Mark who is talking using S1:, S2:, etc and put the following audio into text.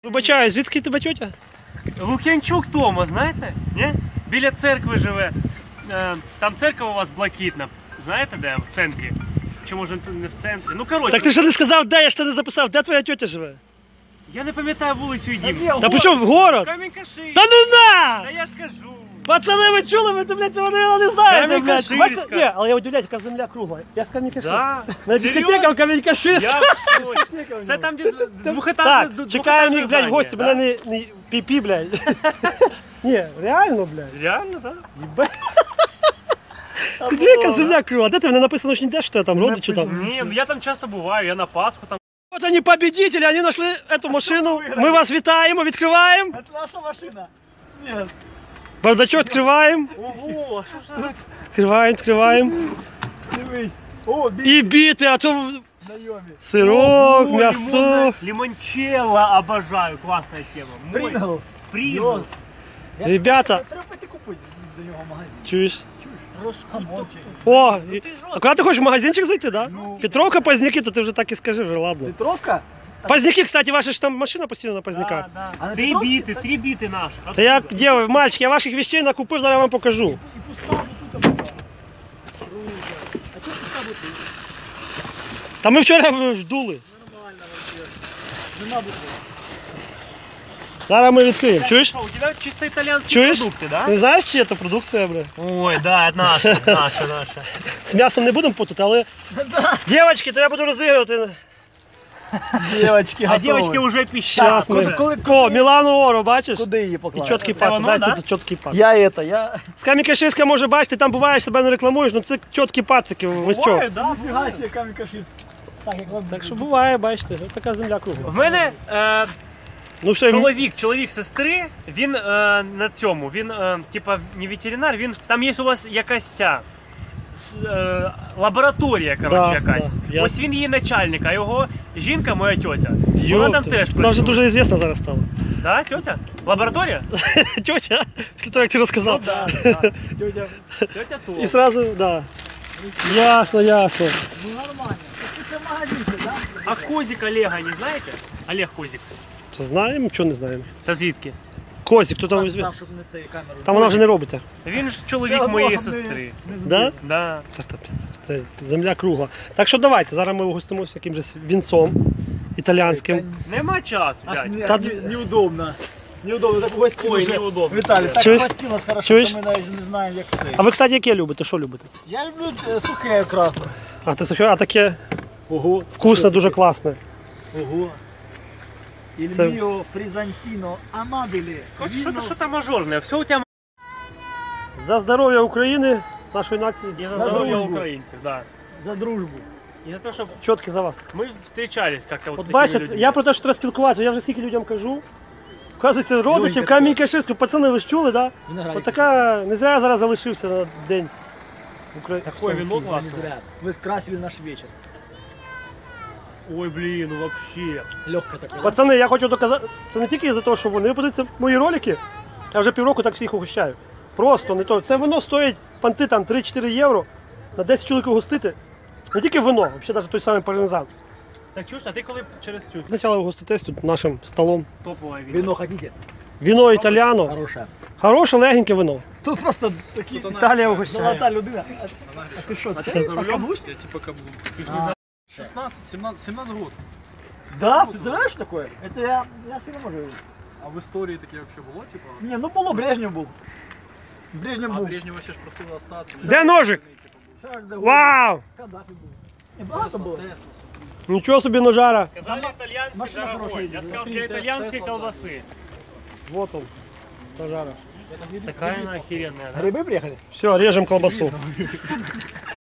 S1: Вибачаю, звідки тебе тьотя?
S2: Лук'янчук Тома, знаєте? Ні? Біля церкви живе. Там церква у вас блакитна. Знаєте де? В центрі. Чи може не в центрі? Ну коротше.
S1: Так ти ще не сказав, де, я ж тебе не записав, де твоя тьотя живе?
S2: Я не пам'ятаю вулицю і дім.
S1: Та при чому в город?
S2: Камінь-Каширський.
S1: Та ну на!
S2: Та я ж кажу.
S1: Пацани, ви чули, ви, блядь, вони не знаєте, блядь.
S2: Камінь-Каширська.
S1: Бачите? Ні, але я удивляюсь, яка земля кругла. Я з Камінь-Каширська.
S2: Да?
S1: На дискотека в Камінь-Каширська.
S2: Я в шоці. Це там, де двохетажне.
S1: Так, чекаємо їх, блядь, в гості, мене не пі-пі, блядь. Ні, реально, блядь.
S2: Реально, так?
S1: Єбе. Ти диви, яка земля кругла. Де ти, мене написано, що не де, що ти там, родичі там?
S2: Ні, я там часто буваю, я на Пасху там.
S1: Вот они победители, они нашли эту машину. Мы вас витаем, открываем.
S3: Это наша машина. Нет.
S1: Бардачок открываем.
S2: Ого, а що ж це?
S1: Открываем.
S3: Дивись. О,
S1: И биты, а то
S3: знайомі.
S1: сырок, мясо.
S2: Лимончелло обожаю, классная тема.
S3: Принглс.
S2: Принглс.
S1: Ребята,
S3: Треба піти купити до нього в магазин.
S1: чуешь?
S3: Хамончик.
S1: О,
S2: Ну ти жорстко.
S1: а куда ты хочешь, в магазинчик зайти, да?
S3: Ну.
S1: Петровка, Поздняки, то ты уже так и скажи, уже, ладно.
S3: Петровка?
S1: Поздняки, кстати, ваша ж там машина постійно на Поздняках.
S2: Да,
S3: А
S2: да.
S3: на
S2: Три
S3: Петровській?
S2: біти, три біти наші.
S1: Та я, девы, мальчики, я ваших вещей накупив, зараз вам покажу.
S3: І пуста тут була. Круто. А чого пуста бутиль?
S1: Та ми вчора ждули.
S3: Нормально вообще. Нема бутиль.
S1: Зараз ми відкриємо, чуєш?
S2: Что, у тебя чисто итальянские
S1: Чуєш?
S2: продукты, да?
S1: Не знаєш, чи це продукція, бля?
S2: Ой, да, наша, наша.
S1: З м'ясом не будемо путати, але... Дівчатки, то я буду розігрувати.
S3: Дівочки,
S2: А девочки уже пищат.
S1: Щас ми... О, Мілану Оро, бачиш?
S3: Куди її
S1: І
S3: поклали?
S1: чіткий
S2: Це
S1: пац,
S2: воно,
S1: дай
S2: да?
S1: тут чіткий пац.
S3: Я
S1: З Камінь-Каширська, може, бачиш, ти там буваєш, себе не рекламуєш, ну це чіткі пацики, ви що?
S2: Бывает, да?
S3: Ніфіга себе, Камінь-Каширський. Так, як вам
S1: Так що буває, бачите, ось така земля кругла.
S2: В мене
S1: Ну що,
S2: чоловік сестри, він на цьому, він типа не ветеринар, він, там є у вас якась ця лабораторія, коротше, якась.
S1: да,
S2: Ось він її начальник, а його жінка, моя тьотя, вона там теж
S1: Вона вже
S2: працює.
S1: дуже звісна зараз стала.
S2: Да, тьотя? Лабораторія?
S1: Тьотя, після того, як ти розказав.
S2: Да.
S3: Тетя,
S2: Тьотя то.
S1: І сразу, да. Ясно, ясно.
S3: ну нормально. Це магазинчик, да?
S2: А Козик Олега не знаєте? Олег Козик.
S1: Що знаємо, чого не знаємо.
S2: Та звідки?
S1: Козик, хто там візьме?
S3: Там, щоб не цією камерою.
S1: Там вона вже не робиться.
S2: Він ж чоловік моєї сестри.
S1: Да?
S2: Да.
S1: Земля кругла. Так що давайте, зараз ми угостимося якимось вінцом італійським.
S2: Нема часу,
S3: Аж
S2: блядь.
S1: Та
S3: неудобно. Неудобно, так гості
S2: Ой,
S3: вже.
S2: неудобно.
S3: Віталій, так
S1: Чуєш?
S3: гості нас хорошо,
S1: Чуєш?
S3: що ми навіть не знаємо, як це.
S1: А ви, кстати, яке любите? Що любите?
S3: Я люблю сухе красно.
S1: А ти сухе, а таке
S3: Ого.
S1: вкусне, дуже класне.
S3: Ого. Il
S1: Це-
S3: mio frisantino amabile.
S2: Хоч
S3: Віно.
S2: що-то мажорне, все у тебе
S1: За здоров'я України, нашої нації.
S2: і за
S3: За
S2: здоров'я
S3: дружбу.
S2: українців, да.
S3: За дружбу.
S2: І за те, щоб
S1: Чіткі за вас.
S2: ми зустрічались як-то от з
S1: От
S2: такими
S1: бачите,
S2: людьми.
S1: я про те, що треба спілкуватися, я вже скільки людям кажу. Вказується, родичів,
S3: Ой,
S1: Камінь-Каширську, пацани, ви ж чули, да?
S3: Виноградик.
S1: От така, не зря я зараз залишився на день.
S2: Такое вино
S3: Не
S2: класне.
S3: зря. Вы скрасили наш вечер.
S2: Ой, блін, ну вообще.
S3: Легко такое.
S1: Пацани, я хочу доказати, це не тільки за те, що вони подивіться мої ролики, я вже півроку так всіх угощаю. Просто не то. Це вино стоїть панти там 3-4 євро, на 10 чоловік угостити. Не тільки вино, взагалі навіть той самий пармезан.
S2: Так чуєш, а ти коли через цю
S1: Спочатку угоститесь тут нашим столом.
S2: топове віно?
S3: Вино хотите?
S1: Віно італіано,
S3: Хорошее.
S1: хороше, легеньке вино.
S3: Тут просто такі
S1: Італія угощає.
S3: золота людина. А ти що, це подкаблучник?
S4: Я типа каблук.
S3: А.
S4: 16, 17 год.
S3: Да, ты знаешь такое? Это я себе не можу.
S4: А в історії таке вообще було, типа?
S3: Не, ну було, Брежнев був. Брежнев
S4: А
S3: був.
S4: Брежнева ще ж просили остатися.
S1: Де ножик?
S3: Шарль де Голль.
S1: Вау!
S3: Каддафі був. Не, багато було.
S1: Нічого собі ножара.
S2: Сказали італійський
S3: Машина
S2: дорогой.
S3: хороша,
S2: Я сказав,
S3: смотри,
S2: для італійської колбаси.
S1: Вот он, ножара.
S2: Такая она охеренная, да?
S3: Гриби приїхали?
S1: Все, режем колбасу.